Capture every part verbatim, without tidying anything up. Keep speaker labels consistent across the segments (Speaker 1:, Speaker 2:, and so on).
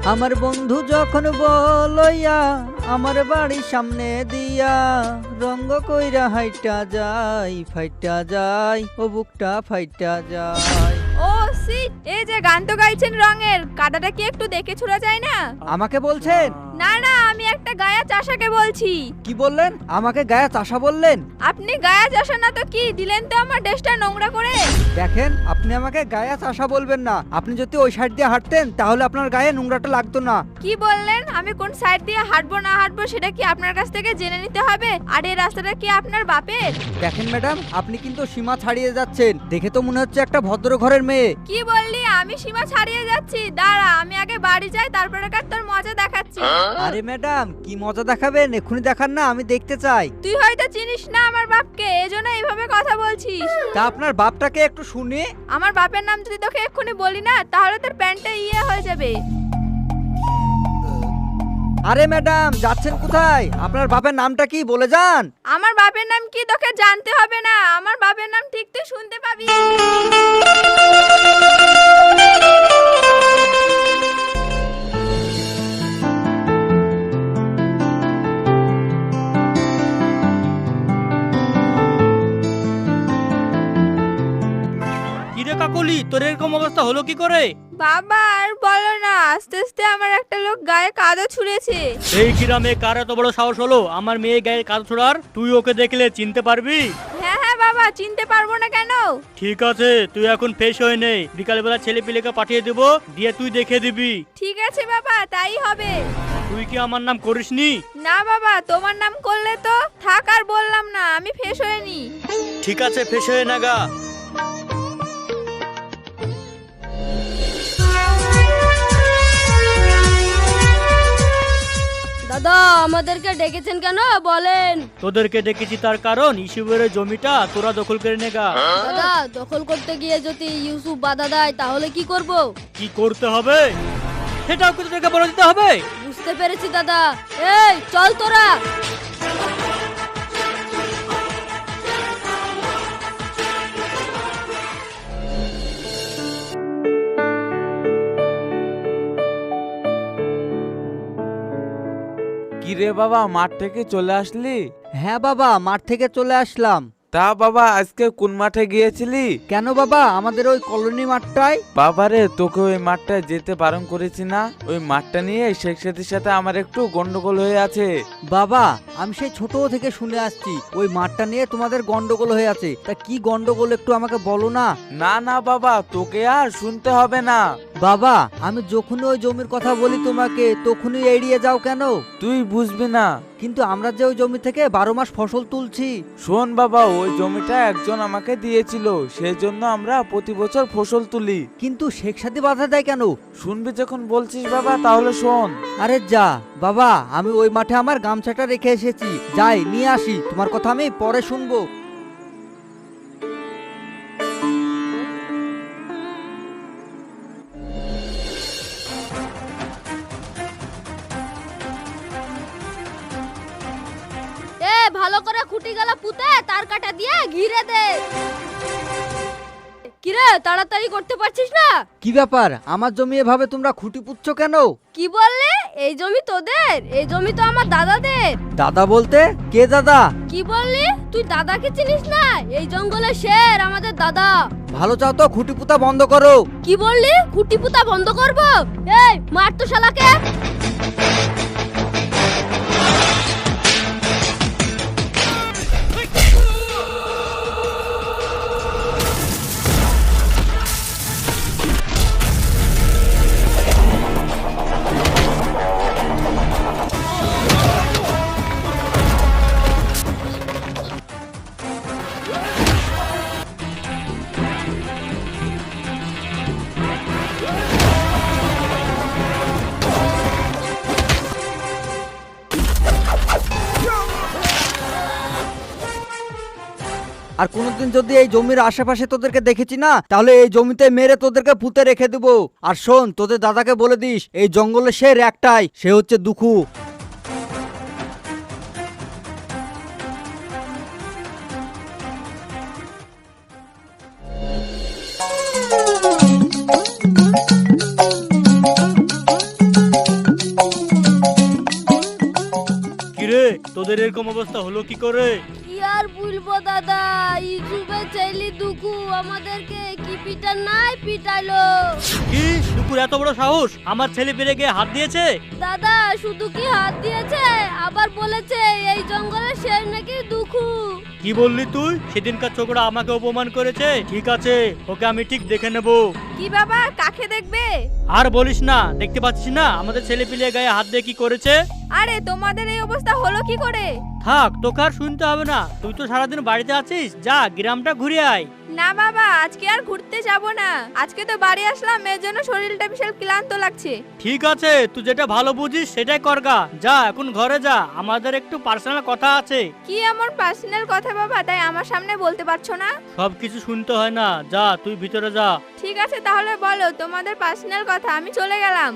Speaker 1: আমার বন্ধু যখন বলইয়া আমার বাড়ির সামনে দিয়া রঙ্গ কইরা হাইটা যায় ফাইটা যায় ও বুকটা ফাইটা যায়।
Speaker 2: ও সি, এই যে গান তো গাইছেন রঙের, কাদাটা কি একটু দেখে ছোড়া যায় না?
Speaker 1: আমাকে বলছেন?
Speaker 2: না না, আমি একটা গায়া চাষাকে বলছি।
Speaker 1: কি বললেন? আমাকে গায়া চাষা বললেন?
Speaker 2: আপনি গায়া চাষা না তো কি দিলেন তো আমার ড্রেসটা নোংরা করে।
Speaker 1: দেখেন, আপনি আমাকে গায়া চাষা বলবেন না। আপনি যদি ওই সাইড দিয়ে হাঁটতেন তাহলে আপনার গায়ে নোংরাটা লাগতো না।
Speaker 2: কি বললেন? আমি কোন সাইড দিয়ে হাঁটবো না হাঁটবো সেটা কি আপনার কাছ থেকে জেনে নিতে হবে? আর এই রাস্তাটা কি আপনার বাপের?
Speaker 1: দেখেন ম্যাডাম, আপনি কিন্তু সীমা ছাড়িয়ে যাচ্ছেন। দেখে তো মনে হচ্ছে একটা ভদ্র ঘরের মেয়ে।
Speaker 2: কি বললি? আমি সীমা ছাড়িয়ে যাচ্ছি? দাঁড়া, আমি আগে বাড়ি যাই, তারপরে কার তোর মজা দেখাচ্ছি।
Speaker 1: আরে ম্যাডাম, কি মজা দেখাবেন? এক্ষুনি দেখান না, আমি দেখতে চাই।
Speaker 2: তুই হয়তো চিনিস না আমার বাপকে, এজন্য এইভাবে কথা বলছিস।
Speaker 1: তা আপনার বাপটাকে একটু শুনি।
Speaker 2: আমার বাপের নাম যদি তোকে এক্ষুনি বলি না, তাহলে তোর প্যান্টটা ইয়ে হয়ে যাবে।
Speaker 1: আরে ম্যাডাম, যাচ্ছেন কোথায়? আপনার বাপের নামটা কি বলে যান।
Speaker 2: আমার বাপের নাম কি তোকে জানতে হবে না, আমার বাপের নাম ঠিক তুই শুনতে পাবি।
Speaker 3: কিরে কাকলি, তোর এরকম অবস্থা হলো কি করে?
Speaker 2: বাবা আর বলো না, আস্তে আস্তে আমার একটা লোক গায়ে কাদা ছুঁড়েছে।
Speaker 3: এই গ্রামে কার এত বড় সাহস হলো আমার মেয়ে গায়ে কাদা ছোড়ার? তুই ওকে দেখলে চিনতে পারবি?
Speaker 2: হ্যাঁ হ্যাঁ বাবা, চিনতে পারবো না কেন?
Speaker 3: ঠিক আছে, তুই এখন ফ্রেশ হয়ে নে, বিকালবেলা ছেলে পিলেকে পাঠিয়ে দেব, দিয়ে তুই দেখে দিবি।
Speaker 2: ঠিক আছে বাবা, তাই হবে।
Speaker 3: তুই কি আমার নাম করিসনি?
Speaker 2: না বাবা, তোমার নাম করলে তো থাক, আর বললাম না, আমি ফ্রেশ হয়ে নি।
Speaker 3: ঠিক আছে, ফ্রেশ হয়ে নাগা।
Speaker 4: দাদা, আমাদেরকে ডেকেছেন কেন বলেন?
Speaker 3: তোদেরকে ডেকেছি তার কারণ ইসুবের জমিটা তোরা দখল করে নেগা।
Speaker 4: দাদা, দখল করতে গিয়ে যদি ইউসুফ বাধা দেয় তাহলে কি করব?
Speaker 3: কি করতে হবে সেটাও কি তোদেরকে বলে দিতে হবে?
Speaker 4: বুঝতে পেরেছি দাদা। এই চল তোরা।
Speaker 5: কি রে বাবা, মাঠ থেকে চলে আসলি?
Speaker 1: হ্যাঁ বাবা, মাঠ থেকে চলে আসলাম।
Speaker 5: তা বাবা, আজকে কোন মাঠে গিয়েছিলি?
Speaker 1: কেন বাবা? আমাদের ওই কলোনি মাঠটায়।
Speaker 5: বাবারে, তোকে ওই মাঠটায় যেতে বারণ করেছি না? ওই মাঠটা নিয়ে শেখ সাথীর সাথে আমার একটু গন্ডগোল হয়ে আছে।
Speaker 1: বাবা, আমি সেই ছোট থেকে শুনে আসছি ওই মাঠটা নিয়ে তোমাদের গন্ডগোল হয়ে আছে। তা কি গন্ডগোল একটু আমাকে বলো না।
Speaker 5: না না বাবা, তোকে আর শুনতে হবে না।
Speaker 1: বাবা, আমি যখনই ওই জমির কথা বলি তোমাকে তখনই এড়িয়ে যাও কেন?
Speaker 5: তুই বুঝবি না।
Speaker 1: কিন্তু আমরা যে ওই জমি থেকে বারো মাস ফসল তুলছি।
Speaker 5: শোন বাবা, ওই জমিটা একজন আমাকে দিয়েছিল, সেই জন্য আমরা প্রতি বছর ফসল তুলি।
Speaker 1: কিন্তু শেখ সাথী বাধা দেয় কেন?
Speaker 5: শুনবি যখন বলছিস বাবা, তাহলে শোন।
Speaker 1: আরে যা বাবা, আমি ওই মাঠে আমার গামছাটা রেখে এসেছি, যাই নিয়ে আসি। তোমার কথা আমি পরে শুনবো।
Speaker 4: এ ভালো করে খুঁটি গালা পুঁতে তার কাটা দিয়ে ঘিরে দে। কিরে, তাড়াতাড়ি করতে পারছিস না?
Speaker 1: কি ব্যাপার? আমার জমি এভাবে তোমরা খুঁটি পুঁতছো কেন?
Speaker 4: কি বললে? এই জমি তোদের? এই জমি তো আমার দাদাদের।
Speaker 1: দাদা বলতে কে দাদা?
Speaker 4: কি বললি? তুই দাদাকে চিনিস না? এই জঙ্গলের শের আমাদের দাদা।
Speaker 1: ভালো চাও তো খুঁটি পুঁতা বন্ধ করো।
Speaker 4: কি বললি? খুঁটি পুঁতা বন্ধ করব? এই মার তো শালাকে।
Speaker 1: আর কোনোদিন যদি এই জমির আশেপাশে তোদেরকে দেখেছি না, তাহলে এই জমিতে মেরে তোদেরকে পুঁতে রেখে দেবো। আর শোন, তোদের দাদাকে বলে দিস এই জঙ্গলে শের একটাই, সে হচ্ছে দুখু।
Speaker 3: এরকম অবস্থা হলো কি করে?
Speaker 4: কি আর বলবো দাদা, ইউটিউবে ছেলে দুকু আমাদেরকে কি পিটার নাই পিটালো।
Speaker 3: কি দুপুর এত বড় সাহস আমার ছেলে পেলে গিয়ে হাত দিয়েছে?
Speaker 4: দাদা শুধু কি হাত দিয়েছে, আবার বলেছে এই জঙ্গলে শের নাকি দুকু।
Speaker 3: কি বললি তুই? সেদিনকার ছোকরা আমাকে অপমান করেছে। ঠিক আছে, ওকে আমি ঠিক দেখে নেব।
Speaker 2: কি বাবা, কাকে দেখবে?
Speaker 3: আর বলিস না, দেখতে পাচ্ছিস না আমাদের ছেলে পিলে গায়ে হাত দিয়ে কি করেছে?
Speaker 2: আরে তোমাদের এই অবস্থা হলো কি করে?
Speaker 3: থাক, তোকে আর শুনতে হবে না। তুই তো সারাদিন বাড়িতে আছিস, যা গ্রামটা ঘুরে আয়।
Speaker 2: না বাবা, আজকে আর ঘুরতে যাব না। আজকে তো বাড়ি আসলাম, এর জন্য শরীরটা বিশাল ক্লান্ত লাগছে।
Speaker 3: ঠিক আছে, তুই যেটা ভালো বুঝিস সেটাই করগা। যা এখন ঘরে যা, আমাদের একটু পার্সোনাল কথা আছে।
Speaker 2: কি এমন পার্সোনাল কথা বাবা, তাই আমার সামনে বলতে পারছো না?
Speaker 3: সব কিছু শুনতে হয় না, যা তুই ভিতরে যা।
Speaker 2: ঠিক আছে তাহলে বলো তোমাদের পার্সোনাল কথা, আমি চলে গেলাম।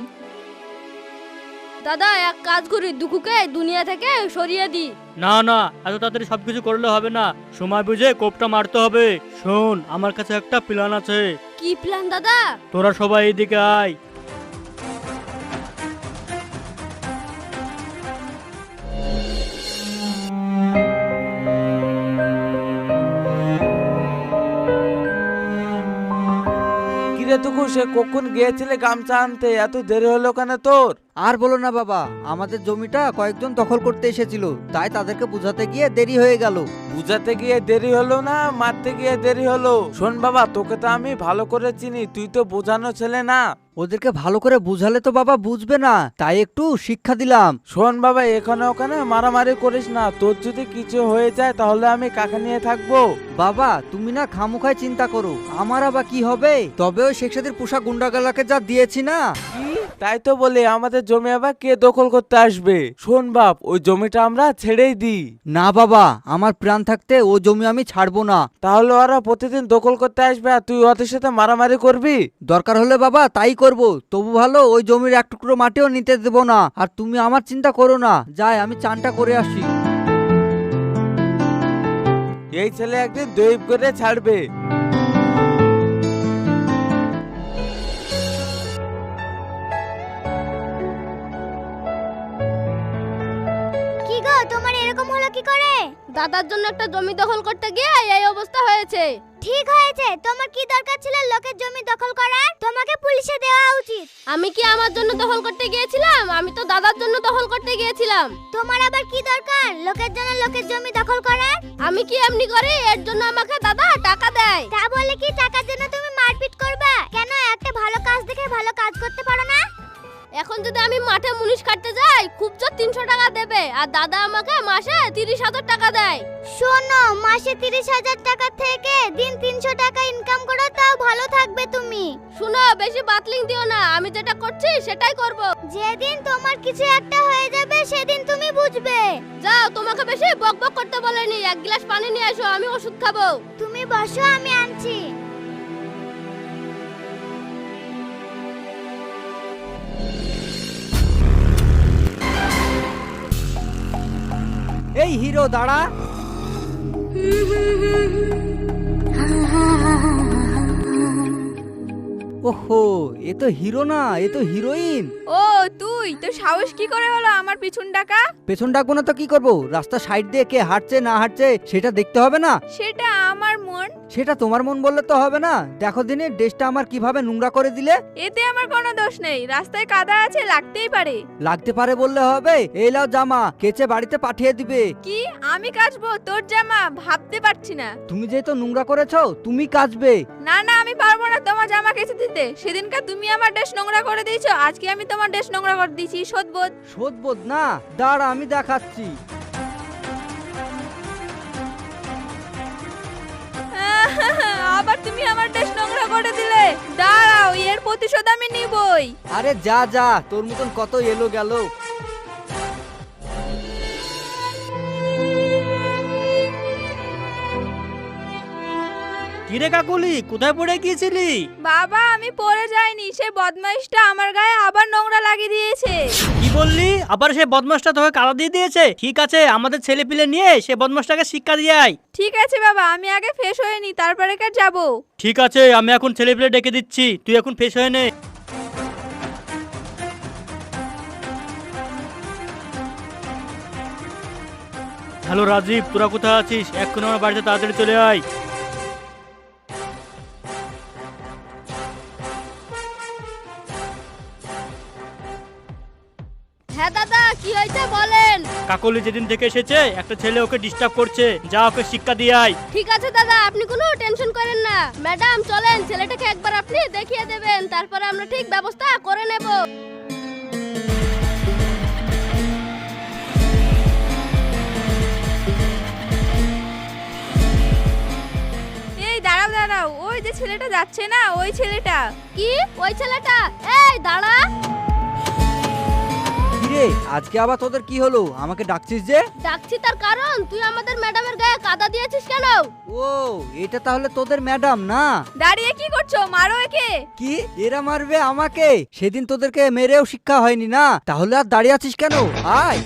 Speaker 4: দাদা এক কাজ করি, দুকুকে দুনিয়া থেকে সরিয়ে দি।
Speaker 3: না না, এত তাড়াতাড়ি সবকিছু করলে হবে না, সময় বুঝে কোপটা মারতে হবে। শোন, আমার কাছে একটা প্ল্যান আছে।
Speaker 4: কি প্ল্যান দাদা?
Speaker 3: তোরা সবাই এইদিকে আয়।
Speaker 5: কিরে দুকু, সে কখন গিয়েছিলে গামছা আনতে? এত দেরি হলো কেন তোর?
Speaker 1: আর বলো না বাবা, আমাদের জমিটা কয়েকজন দখল করতে এসেছিল, তাই তাদেরকে বুঝাতে গিয়ে দেরি হয়ে গেল।
Speaker 5: বুঝাতে গিয়ে দেরি হলো না, মারতে গিয়ে দেরি হলো? শোন বাবা, তোকে তো আমি ভালো করে চিনি, তুই তো বোঝানো ছেলে না।
Speaker 1: ওদেরকে ভালো করে বুঝালে তো বাবা বুঝবে না, তাই একটু শিক্ষা দিলাম।
Speaker 5: শোন বাবা, এখানে ওখানে মারামারি করিস না। তোর যদি কিছু হয়ে যায় তাহলে আমি কাকে নিয়ে থাকবো?
Speaker 1: বাবা তুমি না খামুখায় চিন্তা করো, আমার আবার কি হবে? তবে ওই শেখ সাদির পোশাক গুন্ডাগালাকে যা দিয়েছি না।
Speaker 5: তাই তো বলি, আমাদের জমি আবার কে দখল করতে আসবে? শোন বাপ, ওই জমিটা আমরা ছেড়েই দিই।
Speaker 1: না বাবা, আমার প্রাণ থাকতে ও জমি আমি ছাড়বো না।
Speaker 5: তাহলে ওরা প্রতিদিন দখল করতে আসবে আর তুই ওদের সাথে মারামারি করবি?
Speaker 1: দরকার হলে বাবা তাই করব, তবু ভালো ওই জমির এক টুকরো মাটিও নিতে দেবো না। আর তুমি আমার চিন্তা করো না, যাই আমি চানটা করে আসি।
Speaker 5: এই ছেলে একদিন দৈব করে ছাড়বে।
Speaker 6: কি গো, তোমার এরকম হলো কি করে?
Speaker 4: দাদার জন্য একটা জমি দখল করতে গিয়ে এই অবস্থা হয়েছে।
Speaker 6: ঠিক হয়েছে, তোমার কি দরকার ছিল লোকের জমি দখল করার? তোমাকে পুলিশে দেওয়া উচিত।
Speaker 4: আমি কি আমার জন্য দখল করতে গিয়েছিলাম? আমি তো দাদার জন্য দখল করতে গিয়েছিলাম।
Speaker 6: তোমার আবার কি দরকার লোকের জন্য লোকের জমি দখল করার?
Speaker 4: আমি কি এমনি করি? এর জন্য আমাকে দাদা টাকা দেয়।
Speaker 6: তা বলে কি টাকার জন্য তুমি মারপিট করবে? কেন একটা ভালো কাজ দেখে ভালো কাজ করতে পারো না?
Speaker 4: এখন যদি আমি মাঠে মুনিশ কাটতে যাই, খুব জোর তিনশো টাকা দেবে, আর দাদা আমাকে মাসে তিরিশ হাজার টাকা দেয়।
Speaker 6: শোনো, মাসে তিরিশ হাজার টাকা থেকে দিন তিনশো টাকা ইনকাম করো, তাও ভালো থাকবে তুমি।
Speaker 4: শুনো, বেশি বাতলিং দিও না, আমি যেটা করছি সেটাই করব।
Speaker 6: যেদিন তোমার কিছু একটা হয়ে যাবে সেদিন তুমি বুঝবে।
Speaker 4: যাও, তোমাকে বেশি বকবক করতে বলেনি, এক গ্লাস পানি নিয়ে এসো, আমি ওষুধ খাবো।
Speaker 6: তুমি বসো, আমি আনছি।
Speaker 1: এই হিরো দাঁড়া। ওহো, এ তো হিরো না, এ তো হিরোইন।
Speaker 2: ও তুই তো, সাহস কি করে হলো আমার পিছন ডাকা?
Speaker 1: পেছন ডাকবো না তো কি করবো? রাস্তা সাইড দিয়ে কে হাঁটছে না হাঁটছে সেটা দেখতে হবে না?
Speaker 2: সেটা আমার মন।
Speaker 1: সেটা তোমার মন বললে তো হবে না। দেখো দিনে ড্রেসটা আমার কিভাবে নোংরা করে দিলে।
Speaker 2: এতে আমার কোনো দোষ নেই, রাস্তায় কাদা আছে, লাগতেই পারে।
Speaker 1: লাগতে পারে বললে হবে? এই লাও জামা, কেচে বাড়িতে পাঠিয়ে দিবে।
Speaker 2: কি আমি কাচবো তোর জামা? ভাবতে পারছি না।
Speaker 1: তুমি যেহেতু নোংরা করেছো তুমি কাচবে।
Speaker 2: না না, আমি পারবো না তোমার জামা কেচে দিতে। সেদিনকার তুমি আমার ড্রেস নোংরা করে দিয়েছো, আজকে আমি তোমার ড্রেস নোংরা করে দিয়েছি। সদবোধ
Speaker 1: শোধবোধ না, দাঁড়া আমি দেখাচ্ছি।
Speaker 2: আবার তুমি আমার ড্রেস নোংরা করে দিলে। দাঁড়াও, এর প্রতিশোধ আমি নিবই।
Speaker 1: আরে যা যা, তোর মতন কত এলো গেল।
Speaker 3: কিরে কাকুলি, কোথায় পড়ে গিয়েছিলি?
Speaker 2: বাবা আমি পড়ে যাইনি, সে বদমাইশটা আমার গায়ে আবার নোংরা লাগিয়ে দিয়েছে।
Speaker 3: কি বললি? আবার সে বদমাসটা তোকে কালা দিয়ে দিয়েছে? ঠিক আছে, আমাদের ছেলে পিলে নিয়ে সে বদমাসটাকে শিক্ষা দিয়ে আয়।
Speaker 2: ঠিক আছে বাবা, আমি আগে ফ্রেশ হয়ে নি, তারপরে কার যাবো।
Speaker 3: ঠিক আছে, আমি এখন ছেলে পিলে ডেকে দিচ্ছি, তুই এখন ফ্রেশ হয়ে নে। হ্যালো রাজীব, তোরা কোথায় আছিস? এখন আমার বাড়িতে তাড়াতাড়ি চলে আয়।
Speaker 4: হ্যাঁ দাদা, কি হয়েছে বলেন।
Speaker 3: কাকলি যেদিন থেকে এসেছে একটা ছেলে ওকে ডিস্টার্ব করছে, যা ওকে শিক্ষা দিয়ে আয়।
Speaker 4: ঠিক আছে দাদা, আপনি কোনো টেনশন করেন না। ম্যাডাম চলেন, ছেলেটাকে একবার আপনি দেখিয়ে দেবেন, তারপরে আমরা ঠিক ব্যবস্থা করে নেব।
Speaker 2: এই দাঁড়াও দাঁড়াও, ওই যে ছেলেটা যাচ্ছে না, ওই ছেলেটা।
Speaker 4: কি ওই ছেলেটা? এই দাঁড়া।
Speaker 1: কিরে আজকে আবার তোদের কি হলো? আমাকে ডাকছিস যে?
Speaker 4: ডাকছি তার কারণ তুই আমাদের ম্যাডামের গায়ে কাদা দিয়েছিস কেন?
Speaker 1: ও, এটা তাহলে তোদের ম্যাডাম না?
Speaker 2: দাঁড়িয়ে কি করছো? মারো একে।
Speaker 1: কি এরা মারবে আমাকে? সেদিন তোদেরকে মেরেও শিক্ষা হয়নি না, তাহলে আর দাঁড়িয়ে আছিস কেন? আয়।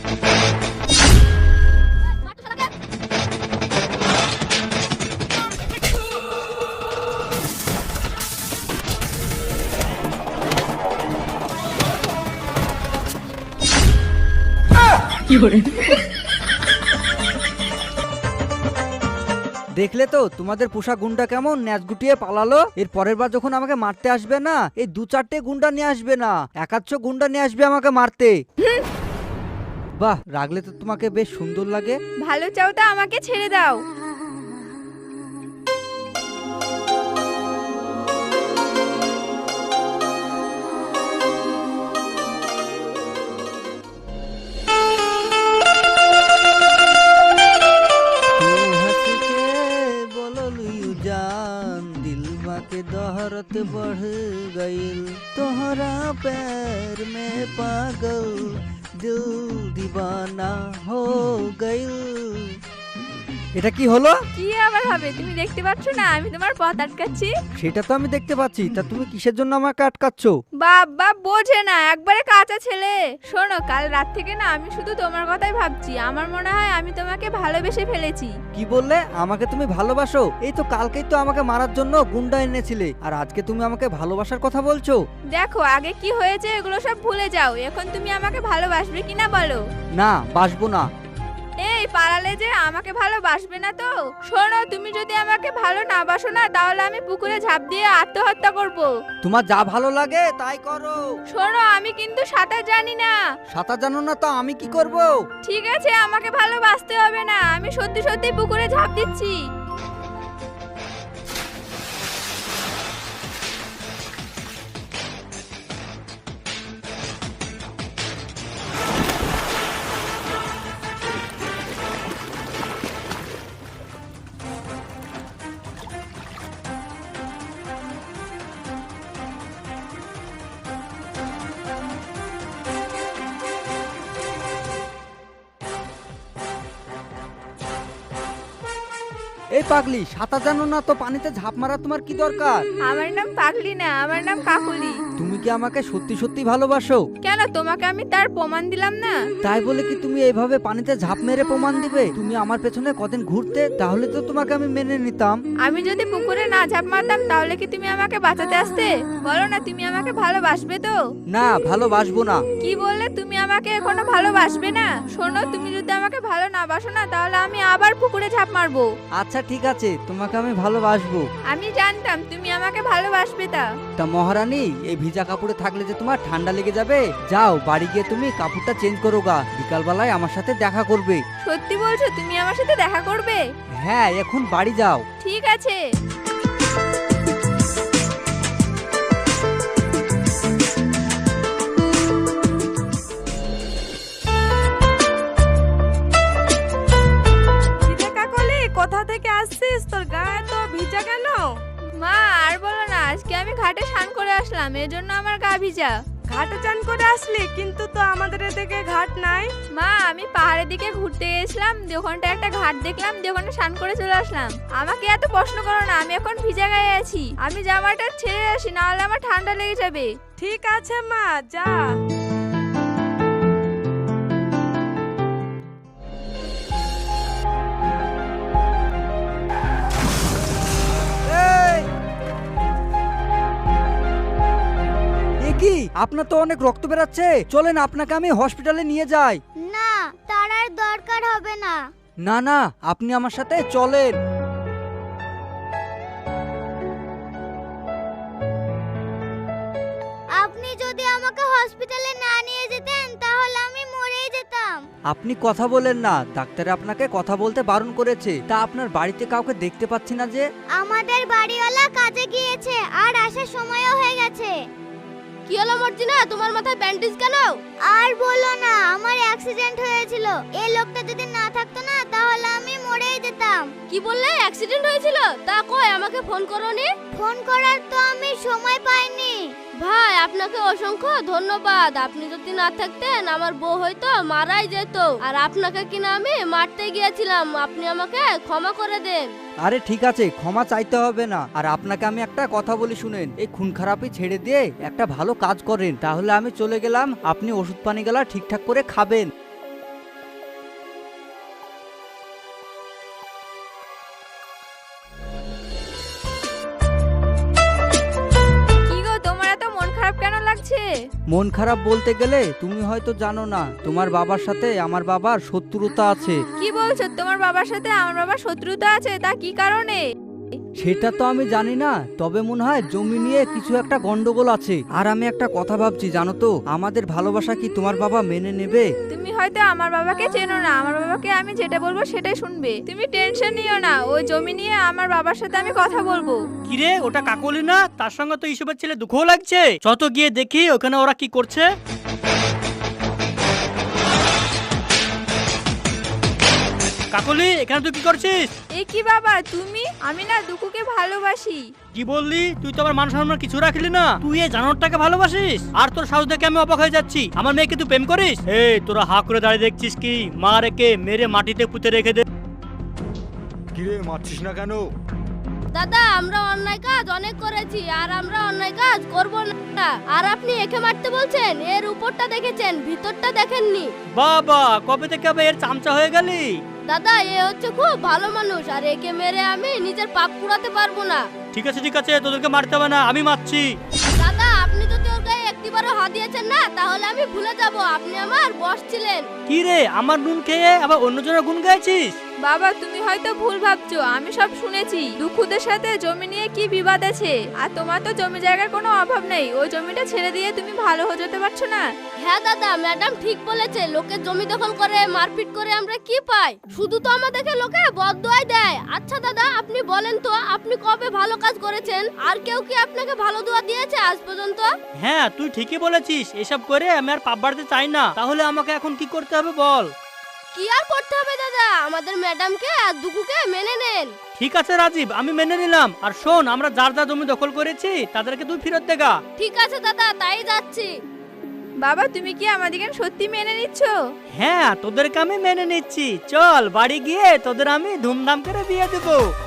Speaker 1: দেখলে তো তোমাদের পোষা গুন্ডা কেমন ন্যাচ গুটিয়ে পালালো। এর পরের বার যখন আমাকে মারতে আসবে না, এই দু চারটে গুন্ডা নিয়ে আসবে না, একাচ্ছ গুন্ডা নিয়ে আসবে আমাকে মারতে। বাহ, রাগলে তো তোমাকে বেশ সুন্দর লাগে।
Speaker 2: ভালো চাও তো আমাকে ছেড়ে দাও।
Speaker 1: के दोहरत बढ़ गइल तोहरा पैर में पागल दिल दीवाना हो गइल। এটা কি হলো?
Speaker 2: কি আবার হবে? তুমি দেখতে পাচ্ছ না আমি তোমার পথ আটকাচ্ছি?
Speaker 1: সেটা তো আমি দেখতে পাচ্ছি, তা তুমি কিসের জন্য আমাকে আটকাচ্ছ?
Speaker 2: বাবা বোঝে না, একবারে কাঁচা ছেলে। শোনো, কাল রাত থেকে না আমি শুধু তোমার কথাই ভাবছি। আমার মনে হয় আমি তোমাকে ভালোবেসে ফেলেছি।
Speaker 1: কি বললে? আমাকে তুমি ভালোবাসো? এই তো কালকেই তো আমাকে মারার জন্য গুন্ডা এনেছিলে, আর আজকে তুমি আমাকে ভালোবাসার কথা বলছো?
Speaker 2: দেখো, আগে কি হয়েছে এগুলো সব ভুলে যাও। এখন তুমি আমাকে ভালোবাসবে কিনা বলো?
Speaker 1: না, বাসবো না।
Speaker 2: এই পালালে যে আমাকে ভালোবাসবে না তো? শোনো, তুমি যদি আমাকে ভালো না বাসো না, তাহলে আমি পুকুরে ঝাঁপ দিয়ে আত্মহত্যা করব।
Speaker 1: তোমার যা ভালো লাগে তাই করো।
Speaker 2: শোনো, আমি কিন্তু সাঁতার জানি না।
Speaker 1: সাঁতার জানো না তো আমি কি করব?
Speaker 2: ঠিক আছে, আমাকে ভালোবাসতে হবে না, আমি সত্যি সত্যি পুকুরে ঝাঁপ দিচ্ছি।
Speaker 1: এই পাগলি, সাঁতার জানো না তো পানিতে ঝাঁপ মারা তোমার কি দরকার?
Speaker 2: আমার নাম পাগলি না, আমার নাম কাকুলি।
Speaker 1: তুমি কি আমাকে সত্যি সত্যি ভালোবাসো?
Speaker 2: কেন, তোমাকে আমি তার প্রমাণ দিলাম না?
Speaker 1: তাই বলে কি তুমি এইভাবে পানিতে ঝাঁপ মেরে প্রমাণ দিবে? তুমি আমার পেছনে কদিন ঘুরতে, তাহলে তো তোমাকে আমি মেনে নিতাম।
Speaker 2: আমি যদি পুকুরে না ঝাঁপ মারতাম তাহলে কি তুমি আমাকে বাঁচাতে আসতে? বলো না, তুমি আমাকে ভালোবাসবে তো?
Speaker 1: না, ভালোবাসবো না।
Speaker 2: কি বললে? তুমি আমাকে এখনো ভালোবাসবে না? শোনো, তুমি যদি আমাকে ভালো না বাসো না, তাহলে আমি আবার পুকুরে ঝাঁপ মারবো।
Speaker 1: আচ্ছা ঠিক আছে, তোমাকে আমি ভালোবাসবো।
Speaker 2: আমি জানতাম তুমি আমাকে ভালোবাসবে। তা
Speaker 1: তা মহারানী, এই ভিজা কাপড়ে থাকলে যে তোমার ঠান্ডা লেগে যাবে, যাও বাড়ি গিয়ে তুমি কাপড়টা চেঞ্জ করো গা, বিকালবেলায় আমার সাথে দেখা করবে।
Speaker 2: সত্যি বলছো? তুমি আমার সাথে দেখা করবে?
Speaker 1: হ্যাঁ, এখন বাড়ি যাও।
Speaker 2: ঠিক আছে।
Speaker 7: কোথা থেকে আসছিস? তোর গায়ে তো ভিজা কেন?
Speaker 2: মা আর বলো না, আজকে আমি ঘাটে স্নান করে আসলাম, এর জন্য আমার গা ভিজা।
Speaker 7: ঘাটে চান করে আসলি, কিন্তু তো আমাদের এদিকে ঘাট নাই।
Speaker 2: মা, আমি পাহাড়ের দিকে ঘুরতে গেছিলাম, দিয়ে ওখানটা একটা ঘাট দেখলাম, দিয়ে ওখানে স্নান করে চলে আসলাম। আমাকে এত প্রশ্ন করো না, আমি এখন ভিজা গায়ে আছি। আমি জামাটা ছেড়ে আসি, না হলে আমার ঠান্ডা লেগে যাবে।
Speaker 7: ঠিক আছে মা, যা।
Speaker 1: কি, আপনার তো অনেক রক্ত বেরাচ্ছে, চলেন আপনাকে আমি হসপিটালে নিয়ে যাই।
Speaker 6: না, তার আর দরকার হবে না।
Speaker 1: না না, আপনি আমার সাথে চলেন।
Speaker 6: আপনি যদি আমাকে হসপিটালে না নিয়ে যেতেন তাহলে আমি মরেই যেতাম।
Speaker 1: আপনি কথা বলেন না, ডাক্তার আপনাকে কথা বলতে বারণ করেছে। তা আপনার বাড়িতে কাউকে দেখতে পাচ্ছি না যে।
Speaker 6: আমাদের বাড়িওয়ালা কাজে গিয়েছে আর আসার সময়ও হয়ে গেছে।
Speaker 4: কি হলো মর্জিনা, তোমার মাথায় ব্যান্ডেজ কেন?
Speaker 6: আর বলো না, আমার অ্যাক্সিডেন্ট হয়েছিল। এই লোকটা যদি না থাকতো না তাহলে আমি মরেই যেতাম।
Speaker 4: কি বললে, অ্যাক্সিডেন্ট হয়েছিল? তা কই আমাকে ফোন করোনি?
Speaker 6: ফোন করার তো আমি সময় পাইনি।
Speaker 4: ভাই আপনাকে অসংখ্য ধন্যবাদ। আপনি যদি না থাকতেন আমার বউ হয়তো মারাই যেত। আর আপনাকে কিনা আমি মারতে গিয়েছিলাম, আপনি আমাকে ক্ষমা করে দেন।
Speaker 1: আরে ঠিক আছে, ক্ষমা চাইতে হবে না। আর আপনাকে আমি একটা কথা বলি শুনেন, এই খুন খারাপি ছেড়ে দিয়ে একটা ভালো কাজ করেন, তাহলে আমি চলে গেলাম, আপনি ওষুধ পানি গেলা ঠিকঠাক করে খাবেন।
Speaker 2: কি গো, তোমার এত মন খারাপ কেন লাগছে?
Speaker 1: মন খারাপ বলতে গেলে তুমি হয়তো জানো না, তোমার বাবার সাথে আমার বাবার শত্রুতা আছে।
Speaker 2: কি বলছো, তোমার বাবার সাথে আমার বাবার শত্রুতা আছে? তা কি কারণে?
Speaker 1: সেটা তো আমি জানি না, তবে মনে হয় জমি নিয়ে কিছু একটা গন্ডগোল আছে। আর আমি একটা কথা ভাবছি, জানো তো, আমাদের ভালোবাসা কি তোমার বাবা মেনে নেবে?
Speaker 2: তুমি হয়তো আমার বাবাকে চেনো না, আমার বাবাকে আমি যেটা বলবো সেটাই শুনবে। তুমি টেনশন নিও না, ওই জমি নিয়ে আমার বাবার সাথে আমি কথা বলবো।
Speaker 3: কিরে, ওটা কাকলি না? তার সঙ্গে তো ইসবের ছেলে দুঃখও লাগছে। যত গিয়ে দেখি ওখানে ওরা কি করছে। কাকলি, এখানে তুই কি করছিস?
Speaker 2: এ কি বাবা তুমি? আমি না দুকুকে ভালোবাসি।
Speaker 3: কি বললি? তুই তো আমার মান সম্মান কিছু রাখলি না। তুই এই জানোয়ারটাকে ভালোবাসিস? আর তোর সাহস দেখে আমি অবাক হয়ে যাচ্ছি। আমার মেয়েকে তুই প্রেম করিস? এই তোরা হা করে দাঁড়িয়ে দেখছিস কি? মা রেখে মেরে মাটিতে পুঁতে রেখে দে।
Speaker 8: কিরে, মারছিস না কেন?
Speaker 4: দাদা আমরা অন্যায় কাজ অনেক করেছি, আর আমরা অন্যায় কাজ করব না। আর আপনি একে মারতে বলছেন? এর উপরটা দেখেছেন, ভিতরটা দেখেননি?
Speaker 3: বাবা, কবে থেকে আবার এর চামচা হয়ে গেলি?
Speaker 4: দাদা এ হচ্ছে খুব ভালো মানুষ, আর একে মেরে আমি নিজের পাপ কুড়াতে পারবো না।
Speaker 3: ঠিক আছে ঠিক আছে, তোদেরকে মারতে হবে না, আমি মারছি।
Speaker 4: দাদা আপনি যদি ওর গায়ে একটিবারও হাত দিয়েছেন না, তাহলে আমি ভুলে যাব আপনি আমার বস ছিলেন।
Speaker 3: কি রে, আমার নুন খেয়ে আবার অন্যজনের গুণ গাইছিস?
Speaker 2: বাবা তুমি হয়তো ভুল ভাবছো, আমি সব শুনেছি। দুঃখুদের সাথে জমি নিয়ে কি বিবাদ আছে। আর তোমার তো জমি জায়গার কোনো অভাব নেই, ওই জমিটা ছেড়ে দিয়ে তুমি ভালো হয়ে যেতে পারছো না?
Speaker 4: হ্যাঁ দাদা, ম্যাডাম ঠিক বলেছে। লোকের জমি দখল করে মারপিট করে আমরা কি পাই? শুধু তো আমাদেরকে লোকে বদদোয়াই দেয়। আচ্ছা দাদা আপনি বলেন তো, আপনি কবে ভালো কাজ করেছেন? আর কেউ কি আপনাকে ভালো দোয়া দিয়েছে আজ পর্যন্ত?
Speaker 3: হ্যাঁ, তুই ঠিকই বলেছিস। এসব করে আমি আর পাপ বাড়তে চাই না। তাহলে আমাকে এখন কি করতে হবে বল?
Speaker 4: কি আর করতে হবে দাদা, আমাদের ম্যাডামকে আর দুকুকে মেনে নেন।
Speaker 3: ঠিক আছে রাজীব, আমি মেনে নিলাম। আর শোন, আমরা যার যা জমি দখল করেছি তাদেরকে তুই ফেরত দেগা।
Speaker 4: ঠিক আছে দাদা, তাই যাচ্ছি।
Speaker 2: বাবা তুমি কি আমাদেরকে সত্যি মেনে নিচ্ছ?
Speaker 3: হ্যাঁ, তোদেরকে আমি মেনে নিচ্ছি। চল বাড়ি গিয়ে তোদের আমি ধুমধাম করে বিয়ে দেবো।